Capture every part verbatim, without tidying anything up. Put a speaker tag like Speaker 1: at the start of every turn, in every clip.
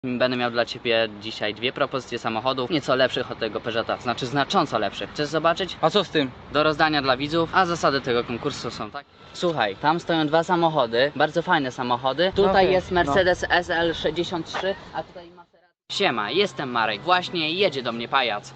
Speaker 1: Będę miał dla ciebie dzisiaj dwie propozycje samochodów, nieco lepszych od tego Peugeota, znaczy znacząco lepszych. Chcesz zobaczyć?
Speaker 2: A co z tym?
Speaker 1: Do rozdania dla widzów, a zasady tego konkursu są tak. Słuchaj, tam stoją dwa samochody, bardzo fajne samochody. Tutaj
Speaker 2: Okay,
Speaker 1: jest Mercedes no. S L sześćdziesiąt trzy, a tutaj Maserati. Siema, jestem Marek, właśnie jedzie do mnie pajac.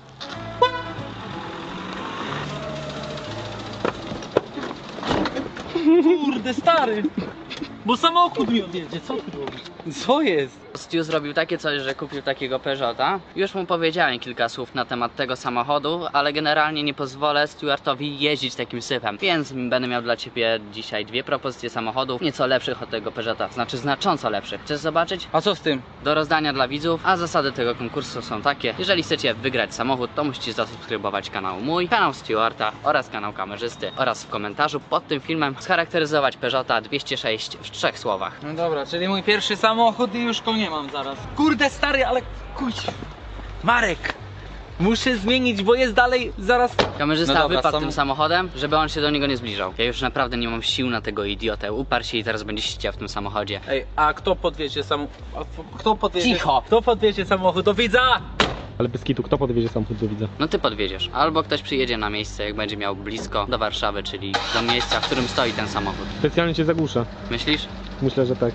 Speaker 2: Kurde, stary! Bo samochód mi odjedzie, co ty robisz? Co jest?
Speaker 1: Stu zrobił takie coś, że kupił takiego Peugeota. Już mu powiedziałem kilka słów na temat tego samochodu, ale generalnie nie pozwolę Stuartowi jeździć takim syfem. Więc będę miał dla ciebie dzisiaj dwie propozycje samochodów, nieco lepszych od tego Peugeota, znaczy znacząco lepszych. Chcesz zobaczyć?
Speaker 2: A co z tym?
Speaker 1: Do rozdania dla widzów, a zasady tego konkursu są takie. Jeżeli chcecie wygrać samochód, to musicie zasubskrybować kanał mój, kanał Stuarta oraz kanał kamerzysty oraz w komentarzu pod tym filmem scharakteryzować Peugeota dwieście sześć w trzech słowach.
Speaker 2: No dobra, czyli mój pierwszy samochód i już go nie mam zaraz. Kurde, stary, ale kuć. Marek! Muszę zmienić, bo jest dalej zaraz.
Speaker 1: Kamerzysta
Speaker 2: No dobra,
Speaker 1: wypadł
Speaker 2: sam...
Speaker 1: tym samochodem, żeby on się do niego nie zbliżał. Ja już naprawdę nie mam sił na tego idiotę. Uparł się i teraz będzie siedział w tym samochodzie.
Speaker 2: Ej, a kto podwiezie samochód? Kto podwiezie?
Speaker 1: Cicho!
Speaker 2: Kto podwiezie samochód do widza?
Speaker 3: Ale bez kitu, kto podwiezie samochód do widza?
Speaker 1: No ty podwieziesz. Albo ktoś przyjedzie na miejsce, jak będzie miał blisko do Warszawy, czyli do miejsca, w którym stoi ten samochód.
Speaker 3: Specjalnie cię zagłuszę.
Speaker 1: Myślisz?
Speaker 3: Myślę, że tak.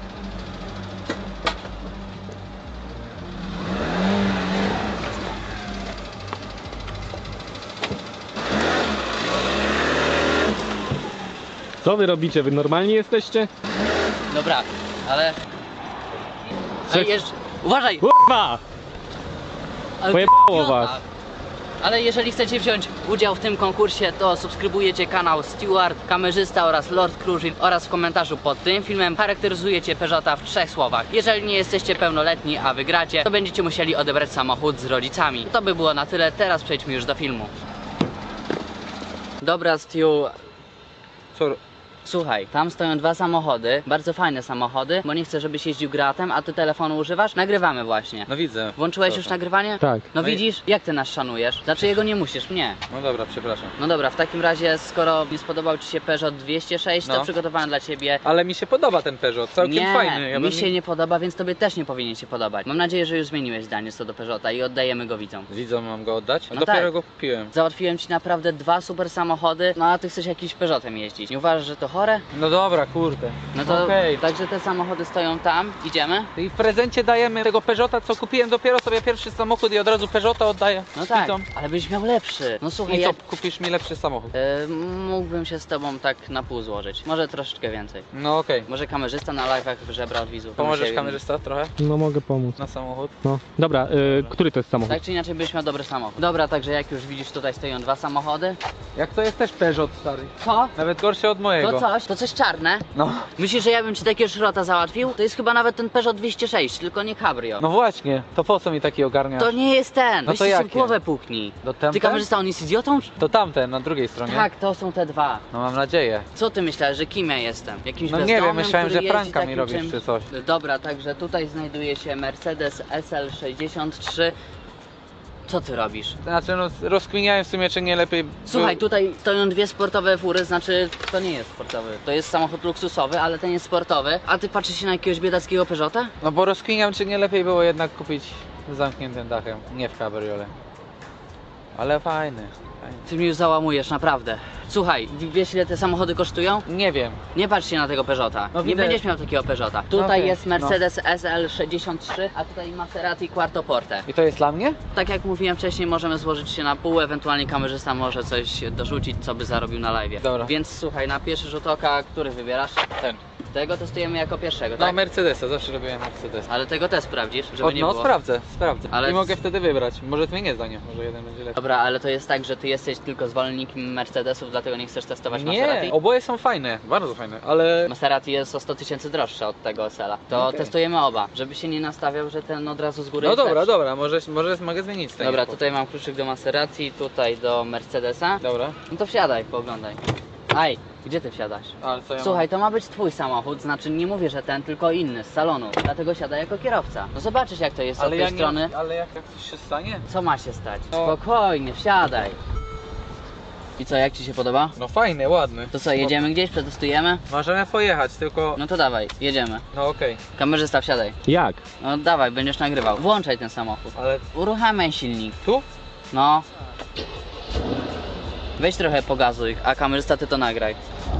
Speaker 3: Co wy robicie? Wy normalni jesteście?
Speaker 1: Dobra, ale...
Speaker 3: Co-
Speaker 1: ale jeż... Uważaj!
Speaker 3: Kurwa!
Speaker 1: Ale
Speaker 3: Pojebało
Speaker 1: ty idiota.
Speaker 3: was.
Speaker 1: Ale jeżeli chcecie wziąć udział w tym konkursie, to subskrybujecie kanał Stuart, kamerzysta oraz Lord Cruisin oraz w komentarzu pod tym filmem charakteryzujecie Peugeota w trzech słowach. Jeżeli nie jesteście pełnoletni, a wygracie, to będziecie musieli odebrać samochód z rodzicami. To by było na tyle, teraz przejdźmy już do filmu. Dobra, Stu,
Speaker 2: Co?
Speaker 1: słuchaj, tam stoją dwa samochody, bardzo fajne samochody, bo nie chcę, żebyś jeździł gratem, a ty telefonu używasz? Nagrywamy właśnie.
Speaker 2: No widzę.
Speaker 1: Włączyłeś
Speaker 2: Co
Speaker 1: już
Speaker 2: tam?
Speaker 1: nagrywanie?
Speaker 3: Tak.
Speaker 1: No
Speaker 2: No i-
Speaker 1: widzisz, jak ty nas szanujesz? Dlaczego nie musisz mnie?
Speaker 2: No dobra, przepraszam.
Speaker 1: No dobra, w takim razie, skoro nie spodobał ci się Peugeot dwieście sześć, to
Speaker 2: No.
Speaker 1: przygotowałem dla ciebie...
Speaker 2: Ale mi się podoba ten Peugeot, całkiem
Speaker 1: nie,
Speaker 2: fajny. Ja
Speaker 1: mi
Speaker 2: bym-
Speaker 1: się nie podoba, więc tobie też nie powinien się podobać. Mam nadzieję, że już zmieniłeś zdanie co do Peugeota i oddajemy go widzom.
Speaker 2: Widzom mam go oddać?
Speaker 1: No
Speaker 2: Dopiero
Speaker 1: tak.
Speaker 2: go kupiłem.
Speaker 1: Załatwiłem ci naprawdę dwa super samochody, no a ty chcesz jakimś Peugeotem jeździć. Nie uważasz, że to chore?
Speaker 2: No dobra, kurde.
Speaker 1: No to
Speaker 2: Okej.
Speaker 1: także te samochody stoją tam, idziemy?
Speaker 2: I w prezencie dajemy tego Peugeota, co kupiłem dopiero sobie pierwszy samochód i od razu Peugeota oddaję.
Speaker 1: No tak,
Speaker 2: widzom.
Speaker 1: ale byś miał lepszy. No słuchaj,
Speaker 2: I co,
Speaker 1: jak...
Speaker 2: kupisz mi lepszy samochód?
Speaker 1: E, mógłbym się z tobą tak na pół złożyć. Może troszeczkę więcej.
Speaker 2: No okej.
Speaker 1: Może kamerzysta na live'ach żebra od widzów.
Speaker 2: Pomożesz
Speaker 1: Się-
Speaker 2: kamerzysta trochę?
Speaker 3: No mogę pomóc.
Speaker 2: Na samochód?
Speaker 3: No. Dobra, y, który to jest samochód?
Speaker 1: Tak czy inaczej byś miał dobry samochód. Dobra, także jak już widzisz, tutaj stoją dwa samochody.
Speaker 2: Jak to jest też Peugeot, stary.
Speaker 1: Co?
Speaker 2: Nawet gorszy od mojego.
Speaker 1: To coś? To coś czarne?
Speaker 2: No.
Speaker 1: Myślisz, że ja bym ci takiego szrota załatwił? To jest chyba nawet ten Peugeot dwieście sześć, tylko nie Cabrio.
Speaker 2: No właśnie, to po co mi taki ogarnia?
Speaker 1: To nie jest ten.
Speaker 2: No
Speaker 1: Weź
Speaker 2: to
Speaker 1: ci sobie
Speaker 2: jakie?
Speaker 1: głowę puknij.
Speaker 2: Do tamten?
Speaker 1: Ty kamerzysta, on jest idiotą?
Speaker 2: To tamten, na drugiej stronie.
Speaker 1: Tak, to są te dwa.
Speaker 2: No mam nadzieję.
Speaker 1: Co ty myślałeś, że kim ja jestem? Jakimś
Speaker 2: No nie
Speaker 1: bezdomnym,
Speaker 2: wiem, myślałem,
Speaker 1: który
Speaker 2: że
Speaker 1: jeździ
Speaker 2: pranka mi
Speaker 1: takim
Speaker 2: robisz
Speaker 1: czymś?
Speaker 2: czy coś.
Speaker 1: Dobra, także tutaj znajduje się Mercedes S L sześćdziesiąt trzy. Co ty robisz?
Speaker 2: Znaczy no rozkminiałem w sumie, czy nie lepiej...
Speaker 1: Słuchaj,
Speaker 2: był-
Speaker 1: tutaj stoją dwie sportowe fury, znaczy to nie jest sportowy. To jest samochód luksusowy, ale ten jest sportowy. A ty patrzysz się na jakiegoś biedackiego Peugeota?
Speaker 2: No bo rozkminiam, czy nie lepiej było jednak kupić z zamkniętym dachem, nie w kabriole. Ale fajny, fajny.
Speaker 1: Ty mnie już załamujesz, naprawdę. Słuchaj, wiesz ile te samochody kosztują?
Speaker 2: Nie wiem.
Speaker 1: Nie patrz się na tego Peugeota.
Speaker 2: No
Speaker 1: nie
Speaker 2: widzę.
Speaker 1: będziesz miał takiego Peugeota. Tutaj
Speaker 2: okej,
Speaker 1: jest Mercedes S L sześćdziesiąt trzy, a tutaj Maserati Quattroporte.
Speaker 2: I to jest dla mnie?
Speaker 1: Tak jak mówiłem wcześniej, możemy złożyć się na pół, ewentualnie kamerzysta może coś dorzucić, co by zarobił na live.
Speaker 2: Dobra.
Speaker 1: Więc słuchaj, na pierwszy rzut oka, który wybierasz?
Speaker 2: Ten.
Speaker 1: Tego testujemy jako pierwszego,
Speaker 2: No
Speaker 1: tak?
Speaker 2: Mercedesa, zawsze robiłem Mercedesa.
Speaker 1: Ale tego też sprawdzisz, żeby
Speaker 2: O,
Speaker 1: nie
Speaker 2: no
Speaker 1: było.
Speaker 2: sprawdzę, sprawdzę.
Speaker 1: Ale-
Speaker 2: I mogę wtedy wybrać. Może zmienię zdanie, może jeden będzie lepszy.
Speaker 1: Dobra, ale to jest tak, że ty jesteś tylko zwolennikiem Mercedesów, dlatego nie chcesz testować Maserati?
Speaker 2: Nie, oboje są fajne, bardzo fajne, ale...
Speaker 1: Maserati jest o sto tysięcy droższe od tego S L a. To
Speaker 2: Okej.
Speaker 1: testujemy oba, żeby się nie nastawiał, że ten od razu z góry
Speaker 2: No
Speaker 1: jest
Speaker 2: dobra,
Speaker 1: lepszy.
Speaker 2: dobra, może, może mogę zmienić zdanie.
Speaker 1: Dobra, tutaj mam kluczyk do Maserati, tutaj do Mercedesa.
Speaker 2: Dobra.
Speaker 1: No to wsiadaj, pooglądaj. Aj, gdzie ty wsiadasz?
Speaker 2: Ale co ja
Speaker 1: Słuchaj, to ma być twój samochód, znaczy nie mówię, że ten, tylko inny, z salonu. Dlatego siadaj jako kierowca. No zobaczysz jak to jest
Speaker 2: mam?
Speaker 1: od
Speaker 2: Ale
Speaker 1: tej
Speaker 2: ja nie...
Speaker 1: strony.
Speaker 2: Ale jak, jak coś się stanie?
Speaker 1: Co ma się stać?
Speaker 2: No.
Speaker 1: Spokojnie, wsiadaj. I co, jak ci się podoba?
Speaker 2: No fajny, ładny.
Speaker 1: To co, jedziemy gdzieś, przetestujemy?
Speaker 2: Możemy pojechać, tylko...
Speaker 1: No to dawaj, jedziemy.
Speaker 2: No okej,
Speaker 1: Kamerzysta, wsiadaj.
Speaker 3: Jak?
Speaker 1: No dawaj, będziesz nagrywał. Włączaj ten samochód.
Speaker 2: ale
Speaker 1: Uruchamiaj silnik.
Speaker 2: tu?
Speaker 1: No. Weź trochę pogazuj, a kamerzysta ty to nagraj.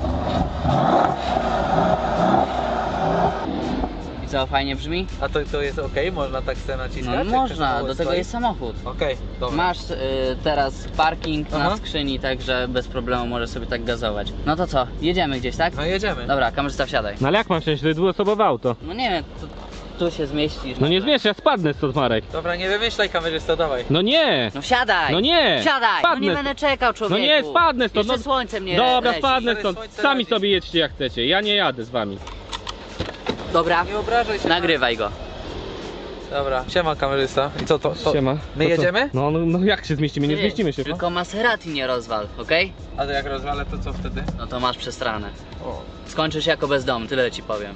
Speaker 1: I co, fajnie brzmi?
Speaker 2: A to, to jest okej? Można tak sobie naciskać?
Speaker 1: No
Speaker 2: jak ten
Speaker 1: można,
Speaker 2: samochód
Speaker 1: do tego
Speaker 2: stoi?
Speaker 1: jest samochód.
Speaker 2: Okej, dobra.
Speaker 1: Masz y, teraz parking na
Speaker 2: Aha.
Speaker 1: skrzyni, także bez problemu możesz sobie tak gazować. No to co, jedziemy gdzieś, tak?
Speaker 2: No jedziemy.
Speaker 1: Dobra, kamerzysta, wsiadaj.
Speaker 3: No ale jak mam wsiąść? To jest dwuosobowe auto.
Speaker 1: No nie wiem, tu, tu się zmieścisz.
Speaker 3: No nie
Speaker 1: może.
Speaker 3: zmiesz, ja spadnę stąd, Marek.
Speaker 2: Dobra, nie wymyślaj kamerzysta, dawaj.
Speaker 3: No nie!
Speaker 1: No wsiadaj!
Speaker 3: No nie!
Speaker 1: Wsiadaj! No
Speaker 3: Spadnę
Speaker 1: nie
Speaker 3: stąd.
Speaker 1: będę czekał, człowieku!
Speaker 3: No nie, spadnę stąd,
Speaker 1: Jeszcze
Speaker 3: no-
Speaker 1: słońce mnie
Speaker 3: Dobra,
Speaker 1: leci.
Speaker 3: spadnę
Speaker 2: Ale
Speaker 3: stąd.
Speaker 2: słońce
Speaker 3: Sami
Speaker 2: radzi.
Speaker 3: sobie jedźcie jak chcecie. Ja nie jadę z wami.
Speaker 1: Dobra,
Speaker 2: Nie obrażaj się.
Speaker 1: nagrywaj go.
Speaker 2: Dobra, siema kamerzysta. I co to? to...
Speaker 3: Siema.
Speaker 2: My
Speaker 3: To co?
Speaker 2: jedziemy?
Speaker 3: No, no, no jak się zmieścimy? Nie
Speaker 1: Ty,
Speaker 3: zmieścimy się.
Speaker 1: Tylko Maserati nie rozwal, okej?
Speaker 2: A to jak rozwalę, to co wtedy?
Speaker 1: No to masz przestranę.
Speaker 2: O.
Speaker 1: Skończysz jako bezdomny, tyle ci powiem.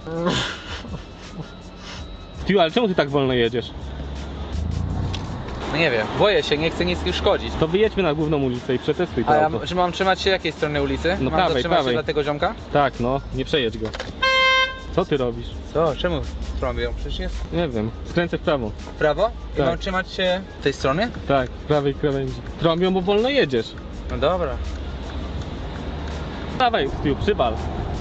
Speaker 3: Ty, ale czemu ty tak wolno jedziesz?
Speaker 2: No nie wiem, boję się, nie chcę nic już szkodzić.
Speaker 3: To wyjedźmy na główną ulicę i przetestuj to
Speaker 2: A ja
Speaker 3: auto.
Speaker 2: czy mam trzymać się jakiej strony ulicy?
Speaker 3: No
Speaker 2: mam
Speaker 3: prawej,
Speaker 2: zatrzymać
Speaker 3: prawej.
Speaker 2: się dla tego ziomka?
Speaker 3: Tak, no, nie przejedź go. Co ty robisz?
Speaker 2: Co? Czemu trąbią? Przecież jest
Speaker 3: Nie wiem, skręcę w prawo.
Speaker 2: w prawo? I
Speaker 3: Tak.
Speaker 2: mam trzymać się tej strony?
Speaker 3: Tak, w prawej krawędzi. Trąbią, bo wolno jedziesz.
Speaker 2: No dobra.
Speaker 3: Dawaj, Stu, przybal.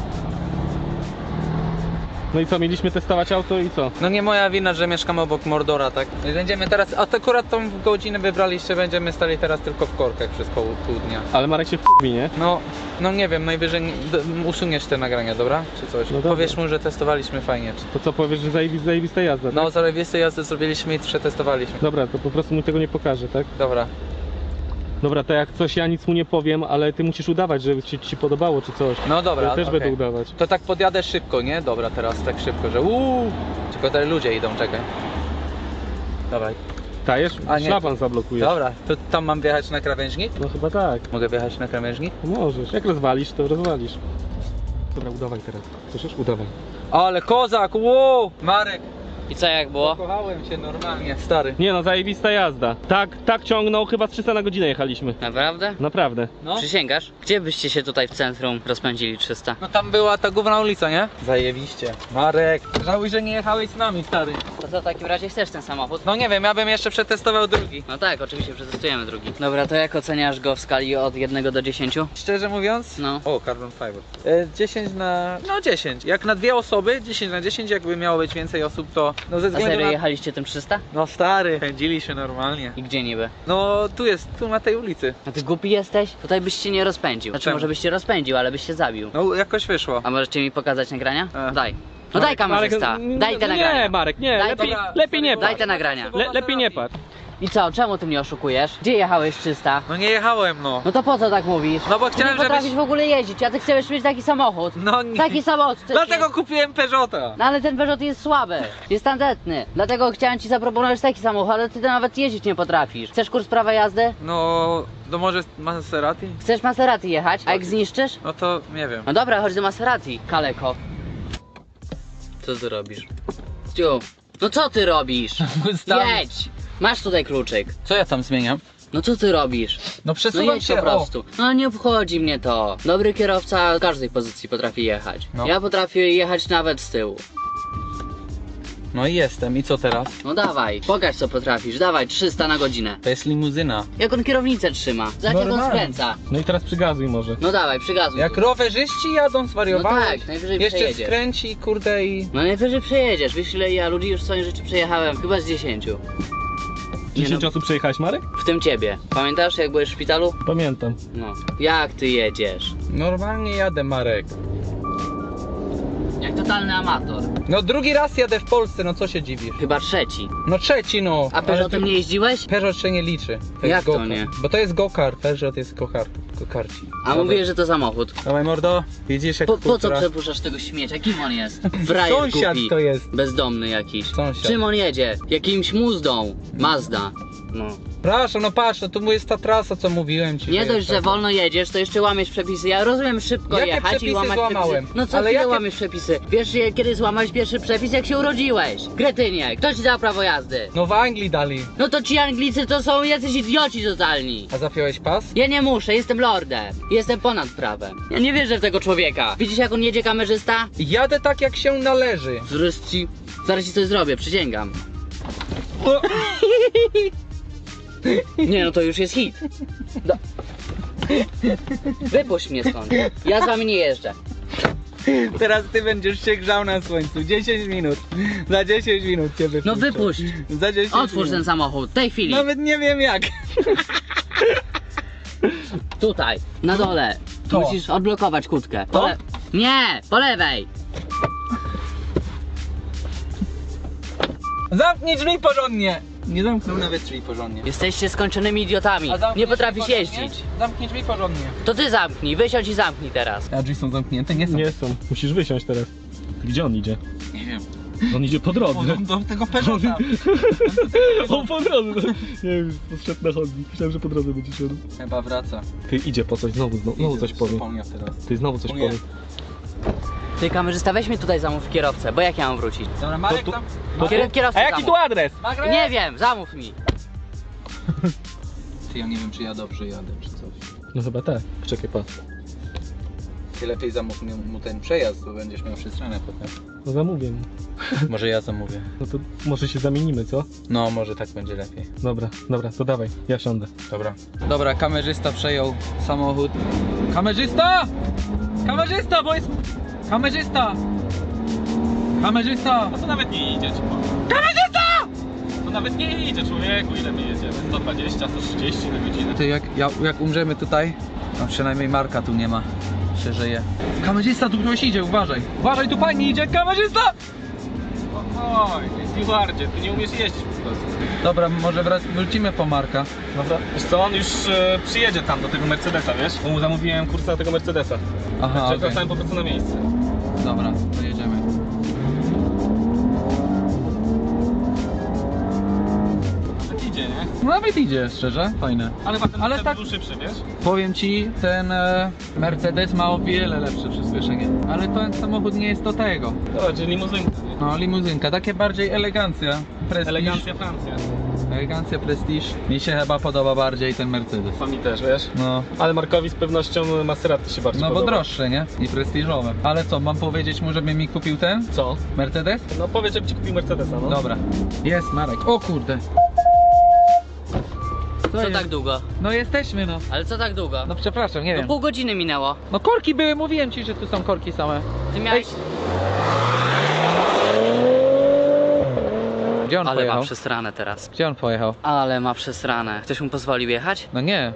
Speaker 3: No i co, mieliśmy testować auto i co?
Speaker 2: No nie moja wina, że mieszkamy obok Mordora, tak? Będziemy teraz, a to akurat tą godzinę wybraliście, będziemy stali teraz tylko w korkach przez pół, pół dnia.
Speaker 3: Ale Marek się wkurwi, nie?
Speaker 2: No, no nie wiem, najwyżej nie- d- usuniesz te nagrania, dobra? Czy coś?
Speaker 3: No dobra.
Speaker 2: Powiesz mu, że testowaliśmy fajnie. Czy...
Speaker 3: To co powiesz, że zajebista, zajebista jazda, tak?
Speaker 2: No, zarobiste jazdy zrobiliśmy i przetestowaliśmy.
Speaker 3: Dobra, to po prostu mu tego nie pokażę, tak?
Speaker 2: Dobra.
Speaker 3: Dobra, to jak coś, ja nic mu nie powiem, ale ty musisz udawać, żeby ci, ci się podobało czy coś.
Speaker 2: No dobra,
Speaker 3: Ja też
Speaker 2: okej.
Speaker 3: będę udawać.
Speaker 2: To tak podjadę szybko, nie? Dobra, teraz tak szybko, że uuu. Tylko tutaj ludzie idą, czekaj. Dobra,
Speaker 3: Dajesz?
Speaker 2: A nie,
Speaker 3: Szlaban zablokujesz.
Speaker 2: dobra, to tam mam wjechać na krawężnik?
Speaker 3: No chyba tak.
Speaker 2: Mogę wjechać na krawężnik?
Speaker 3: Możesz. Jak rozwalisz, to rozwalisz. Dobra, udawaj teraz. Słyszysz? Udawaj.
Speaker 2: Ale kozak, wow! Marek,
Speaker 1: I co, jak było?
Speaker 2: zakochałem się normalnie, stary.
Speaker 3: Nie no, zajebista jazda. Tak, tak ciągnął, chyba trzysta na godzinę jechaliśmy.
Speaker 1: Naprawdę?
Speaker 3: Naprawdę.
Speaker 2: No.
Speaker 1: Przysięgasz? Gdzie byście się tutaj w centrum rozpędzili trzysta?
Speaker 2: No tam była ta główna ulica, nie? Zajebiście. Marek, żałuj, że nie jechałeś z nami, stary.
Speaker 1: To co, w takim razie chcesz ten samochód?
Speaker 2: No nie wiem, ja bym jeszcze przetestował drugi.
Speaker 1: No tak, oczywiście przetestujemy drugi. Dobra, to jak oceniasz go w skali od jednego do dziesięciu?
Speaker 2: Szczerze mówiąc?
Speaker 1: No.
Speaker 2: O, carbon fiber. E, dziesięć na... no dziesięć. Jak na dwie osoby, dziesięć na dziesięć, jakby miało być więcej osób, to... No ze
Speaker 1: A
Speaker 2: względu
Speaker 1: serio
Speaker 2: na...
Speaker 1: jechaliście tym trzysta?
Speaker 2: No stary, pędziliśmy normalnie.
Speaker 1: I gdzie niby?
Speaker 2: No tu jest, tu na tej ulicy.
Speaker 1: A ty głupi jesteś? Tutaj byś się nie rozpędził. Znaczy
Speaker 2: Czemu?
Speaker 1: może byś się rozpędził, ale byś się zabił.
Speaker 2: No jakoś wyszło.
Speaker 1: A możecie mi pokazać nagrania?
Speaker 2: E.
Speaker 1: Daj. No daj kamerzysta,
Speaker 3: Marek,
Speaker 1: daj te
Speaker 3: nie,
Speaker 1: nagrania.
Speaker 3: Nie, Marek, nie,
Speaker 1: Daj
Speaker 3: lepiej,
Speaker 2: Dobra,
Speaker 3: lepiej nie
Speaker 2: sorry,
Speaker 1: Daj
Speaker 3: patrz.
Speaker 1: te nagrania.
Speaker 3: Le, lepiej nie patrz.
Speaker 1: I co, czemu ty mnie oszukujesz? Gdzie jechałeś trzysta?
Speaker 2: No nie jechałem, no.
Speaker 1: No to po co tak mówisz?
Speaker 2: No bo
Speaker 1: Ty
Speaker 2: chciałem,
Speaker 1: nie potrafisz
Speaker 2: żebyś...
Speaker 1: w ogóle jeździć, a ty chcesz mieć taki samochód.
Speaker 2: No nie.
Speaker 1: Taki samochód. chcesz
Speaker 2: Dlatego
Speaker 1: mieć.
Speaker 2: kupiłem Peugeota.
Speaker 1: No ale ten Peugeot jest słaby, jest tandetny. Dlatego chciałem ci zaproponować taki samochód, ale ty nawet jeździć nie potrafisz. Chcesz kurs prawa jazdy?
Speaker 2: No, no może Maserati?
Speaker 1: Chcesz Maserati jechać? A jak zniszczysz?
Speaker 2: No to nie wiem.
Speaker 1: No dobra, chodź do Maserati, kaleko. Co ty robisz? Stu, no co ty robisz? Jedź! Masz tutaj kluczyk.
Speaker 2: Co ja tam zmieniam?
Speaker 1: No co ty robisz?
Speaker 2: No
Speaker 1: No
Speaker 2: przesuwam
Speaker 1: jedź
Speaker 2: się,
Speaker 1: po prostu. No nie obchodzi mnie to. Dobry kierowca w każdej pozycji potrafi jechać.
Speaker 2: No.
Speaker 1: Ja potrafię jechać nawet z tyłu.
Speaker 2: o. No i jestem, i co teraz?
Speaker 1: No dawaj, pokaż co potrafisz. Dawaj, trzysta na godzinę.
Speaker 2: To jest limuzyna.
Speaker 1: Jak on kierownicę trzyma? Zobacz jak on
Speaker 2: Normalnie.
Speaker 1: skręca.
Speaker 3: No i teraz przygazuj może.
Speaker 1: No dawaj, przygazuj.
Speaker 2: Jak
Speaker 1: tu.
Speaker 2: rowerzyści jadą, zwariowałeś.
Speaker 1: No tak, najwyżej
Speaker 2: Jeszcze
Speaker 1: przejedziesz.
Speaker 2: skręci, kurde i...
Speaker 1: No najwyżej przejedziesz. Wiesz ile ja ludzi już w swoim życiu przejechałem? Chyba z dziesięciu. Nie
Speaker 3: dziesięć
Speaker 1: no,
Speaker 3: osób przejechałeś, Marek?
Speaker 1: w tym ciebie. Pamiętasz jak byłeś w szpitalu?
Speaker 3: Pamiętam.
Speaker 1: No. Jak ty jedziesz?
Speaker 2: Normalnie jadę, Marek.
Speaker 1: Jak totalny amator.
Speaker 2: No drugi raz jadę w Polsce, no co się dziwisz?
Speaker 1: Chyba trzeci.
Speaker 2: No trzeci, no.
Speaker 1: A
Speaker 2: Ale
Speaker 1: Peugeotem
Speaker 2: to-
Speaker 1: nie jeździłeś?
Speaker 2: Peugeot się nie liczy. To
Speaker 1: Jak
Speaker 2: jest
Speaker 1: to
Speaker 2: go-kart.
Speaker 1: nie?
Speaker 2: Bo to jest go-kart, Peugeot jest go-kart. Go-karci.
Speaker 1: A
Speaker 2: Dobra.
Speaker 1: mówię, że to samochód.
Speaker 2: Dawaj mordo, widzisz jak
Speaker 1: Po, po co
Speaker 2: kultura-
Speaker 1: przepuszczasz tego śmiecia? Kim on jest? Frajer
Speaker 2: Sąsiad
Speaker 1: głupi.
Speaker 2: to jest.
Speaker 1: Bezdomny jakiś.
Speaker 2: Sąsiad.
Speaker 1: Czym on jedzie? Jakimś muzdą. Mazda. No.
Speaker 2: Przepraszam, no patrz, no to mu jest ta trasa, co mówiłem ci.
Speaker 1: Nie
Speaker 2: że
Speaker 1: dość,
Speaker 2: jest
Speaker 1: że
Speaker 2: taka.
Speaker 1: wolno jedziesz, to jeszcze łamiesz przepisy. Ja rozumiem szybko
Speaker 2: Jakie
Speaker 1: jechać i
Speaker 2: przepisy
Speaker 1: łamać
Speaker 2: złamałem?
Speaker 1: przepisy. No co
Speaker 2: Ale
Speaker 1: chwilę
Speaker 2: jakie-
Speaker 1: łamiesz przepisy? Wiesz je- kiedy złamałeś pierwszy przepis, jak się urodziłeś? Kretynie, kto ci dał prawo jazdy?
Speaker 2: No w Anglii dali.
Speaker 1: No to ci Anglicy to są jacyś idioci totalni.
Speaker 2: A zapiąłeś pas?
Speaker 1: Ja nie muszę, jestem lordem. Jestem ponad prawem. Ja nie wierzę w tego człowieka. Widzisz jak on jedzie, kamerzysta?
Speaker 2: Jadę tak jak się należy.
Speaker 1: Zaraz ci, zaraz ci coś zrobię, przysięgam.
Speaker 2: O,
Speaker 1: Nie no, to już jest hit. Do... Wypuść mnie stąd. Ja z wami nie jeżdżę.
Speaker 2: teraz ty będziesz się grzał na słońcu. dziesięć minut. Za dziesięć minut cię wypuszczę.
Speaker 1: No wypuść.
Speaker 2: Za dziesięć
Speaker 1: Otwórz ten
Speaker 2: minut.
Speaker 1: samochód, w tej chwili.
Speaker 2: Nawet nie wiem jak.
Speaker 1: Tutaj, na dole.
Speaker 2: To.
Speaker 1: Musisz odblokować kłódkę.
Speaker 2: To?
Speaker 1: Po le... Nie, po lewej.
Speaker 2: Zamknij drzwi porządnie. Nie zamknął nawet drzwi porządnie.
Speaker 1: Jesteście skończonymi idiotami.
Speaker 2: A zamknij
Speaker 1: Nie potrafisz
Speaker 2: drzwi porządnie?
Speaker 1: jeździć.
Speaker 2: Zamknij drzwi porządnie.
Speaker 1: To ty zamknij, wysiądź i zamknij teraz.
Speaker 2: A drzwi są zamknięte? Nie są.
Speaker 3: Nie są, musisz wysiąść teraz. Gdzie on idzie?
Speaker 2: Nie wiem.
Speaker 3: On idzie po drodze.
Speaker 2: O, do, do tego Peugeota.
Speaker 3: On po drodze. Nie wiem, poszedł na chodnik. Myślałem, że po drodze będzie szedł.
Speaker 2: Chyba wraca.
Speaker 3: Ty idzie po coś, znowu, znowu, znowu coś powie.
Speaker 2: Zapomniał teraz.
Speaker 3: Ty znowu coś
Speaker 2: O nie.
Speaker 3: powie.
Speaker 1: Ty kamerzysta, weź mnie tutaj zamów kierowcę, bo jak ja mam wrócić?
Speaker 2: Dobra, Marek
Speaker 3: To tu-
Speaker 2: tam.
Speaker 3: to
Speaker 1: Kier kierowcę
Speaker 2: A jaki
Speaker 1: zamów.
Speaker 2: tu adres? Marek?
Speaker 1: Nie wiem, zamów mi.
Speaker 2: Ty, ja nie wiem czy ja dobrze jadę czy coś.
Speaker 3: No chyba tak. Czekaj, pas.
Speaker 2: Ty lepiej zamów mu mu ten przejazd, bo będziesz miał przestronę potem.
Speaker 3: No zamówię mu.
Speaker 2: Może ja zamówię.
Speaker 3: No to może się zamienimy, co?
Speaker 2: No, może tak będzie lepiej.
Speaker 3: Dobra, dobra, to dawaj, ja siądę.
Speaker 2: Dobra. Dobra, kamerzysta przejął samochód. Kamerzysta! Kamerzysta, bo jest... Kamerzysta! Kamerzysta!
Speaker 4: No to nawet nie idzie, ci powiem.
Speaker 2: Kamerzysta!
Speaker 4: To nawet nie idzie, człowieku, ile my jedziemy? sto dwadzieścia, sto trzydzieści na godzinę.
Speaker 2: Ty, jak, jak, jak umrzemy tutaj, to przynajmniej Marka tu nie ma. Się żyje. Kamerzysta, tu ktoś idzie, uważaj. Uważaj, tu pani idzie, kamerzysta!
Speaker 4: Oj, stewardzie, ty nie umiesz jeździć po prostu.
Speaker 2: Dobra, może wrac- wrócimy po Marka.
Speaker 4: Dobra. Wiesz co, on już e, przyjedzie tam do tego Mercedesa, wiesz? Bo mu zamówiłem kurs na tego Mercedesa.
Speaker 2: Aha,
Speaker 4: Czekam
Speaker 2: okej.
Speaker 4: po prostu na miejsce.
Speaker 2: Dobra, to jedziemy.
Speaker 4: Nawet idzie, nie?
Speaker 2: No nawet idzie, szczerze, fajne.
Speaker 4: Ale potem
Speaker 2: Ale
Speaker 4: Ale
Speaker 2: tak-
Speaker 4: tak... szybszy, wiesz?
Speaker 2: Powiem ci, ten e, Mercedes ma o wiele lepsze przyspieszenie. Ale ten samochód nie jest do tego.
Speaker 4: Dobra, czyli limuzynka, nie?
Speaker 2: No, limuzynka, takie bardziej elegancja. Prestiż.
Speaker 4: Elegancja Francja.
Speaker 2: Elegancja, prestiż. Mi się chyba podoba bardziej ten Mercedes.
Speaker 4: To mi też, wiesz?
Speaker 2: No,
Speaker 3: Ale Markowi z pewnością Maserati się bardziej
Speaker 2: no bo
Speaker 3: podoba.
Speaker 2: droższe, nie? I prestiżowe. Ale co, mam powiedzieć mu, żeby mi kupił ten
Speaker 3: Co?
Speaker 2: Mercedes?
Speaker 3: No powiedz, żeby ci kupił Mercedesa, no.
Speaker 2: Dobra. Jest, Marek. O kurde.
Speaker 1: Co
Speaker 2: jest?
Speaker 1: tak długo?
Speaker 2: No jesteśmy, no.
Speaker 1: Ale co tak długo?
Speaker 2: No przepraszam, nie
Speaker 1: No
Speaker 2: wiem.
Speaker 1: pół godziny minęło.
Speaker 2: No korki były, mówiłem ci, że tu są korki same.
Speaker 1: Ty miałeś...
Speaker 2: Gdzie on
Speaker 1: Ale ma
Speaker 2: pojechał?
Speaker 1: przesrane teraz.
Speaker 2: Gdzie on pojechał?
Speaker 1: Ale ma przesrane. Ktoś mu pozwolił jechać?
Speaker 2: No nie.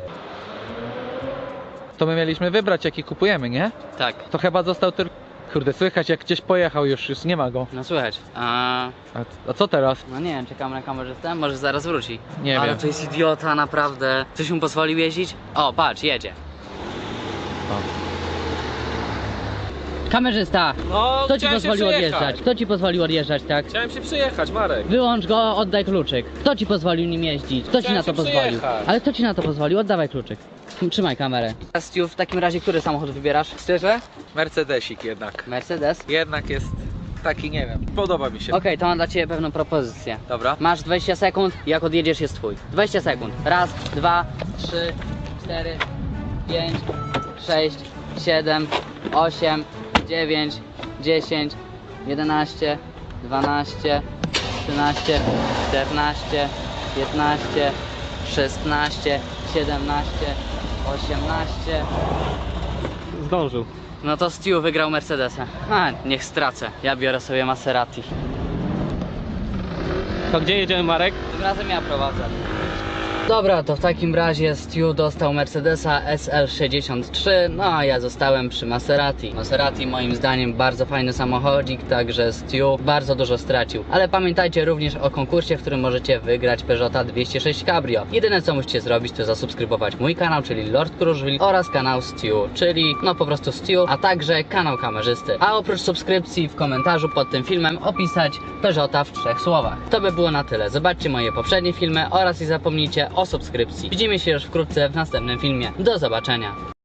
Speaker 2: To my mieliśmy wybrać, jaki kupujemy, nie?
Speaker 1: Tak.
Speaker 2: To chyba został tylko... Kurde, słychać jak gdzieś pojechał już, już nie ma go.
Speaker 1: No słychać. A...
Speaker 2: A, a co teraz?
Speaker 1: No nie wiem, czekamy na kamerzystę, może zaraz wróci.
Speaker 2: Nie
Speaker 1: Ale
Speaker 2: wiem.
Speaker 1: to jest idiota, naprawdę. Ktoś mu pozwolił jeździć? O, patrz, jedzie. Kamerzysta!
Speaker 4: No,
Speaker 1: Kto ci
Speaker 4: chciałem się
Speaker 1: pozwolił
Speaker 4: przyjechać.
Speaker 1: odjeżdżać? Kto ci pozwolił odjeżdżać, tak?
Speaker 4: Chciałem się przyjechać, Marek.
Speaker 1: Wyłącz go, oddaj kluczyk. Kto ci pozwolił nim jeździć? Kto ci
Speaker 4: Chciałem
Speaker 1: na to
Speaker 4: się
Speaker 1: pozwolił?
Speaker 4: przyjechać.
Speaker 1: Ale kto ci na to pozwolił? Oddawaj kluczyk. Trzymaj kamerę. Stu, w takim razie który samochód wybierasz?
Speaker 2: Szczerze? Mercedesik jednak.
Speaker 1: Mercedes?
Speaker 2: Jednak jest taki, nie wiem, podoba mi się.
Speaker 1: Okej, to mam dla ciebie pewną propozycję.
Speaker 2: Dobra.
Speaker 1: Masz dwadzieścia sekund, jak odjedziesz jest twój. dwadzieścia sekund. Raz, dwa, trzy, cztery, pięć, sześć, siedem, osiem, dziewięć, dziesięć, jedenaście, dwanaście, trzynaście, czternaście, piętnaście, szesnaście, siedemnaście, osiemnaście.
Speaker 3: Zdążył.
Speaker 1: No to Stu wygrał Mercedesa. A, niech stracę. Ja biorę sobie Maserati.
Speaker 3: To gdzie jedziemy, Marek?
Speaker 1: Tym razem ja prowadzę. Dobra, to w takim razie Stu dostał Mercedesa S L sześćdziesiąt trzy, no a ja zostałem przy Maserati. Maserati moim zdaniem bardzo fajny samochodzik, także Stu bardzo dużo stracił. Ale pamiętajcie również o konkursie, w którym możecie wygrać Peugeota dwieście sześć Cabrio. Jedyne co musicie zrobić, to zasubskrybować mój kanał, czyli Lord Kruszwil, oraz kanał Stu, czyli no po prostu Stu, a także kanał kamerzysty. A oprócz subskrypcji w komentarzu pod tym filmem opisać Peugeota w trzech słowach. To by było na tyle. Zobaczcie moje poprzednie filmy oraz nie zapomnijcie o subskrypcji. Widzimy się już wkrótce w następnym filmie. Do zobaczenia.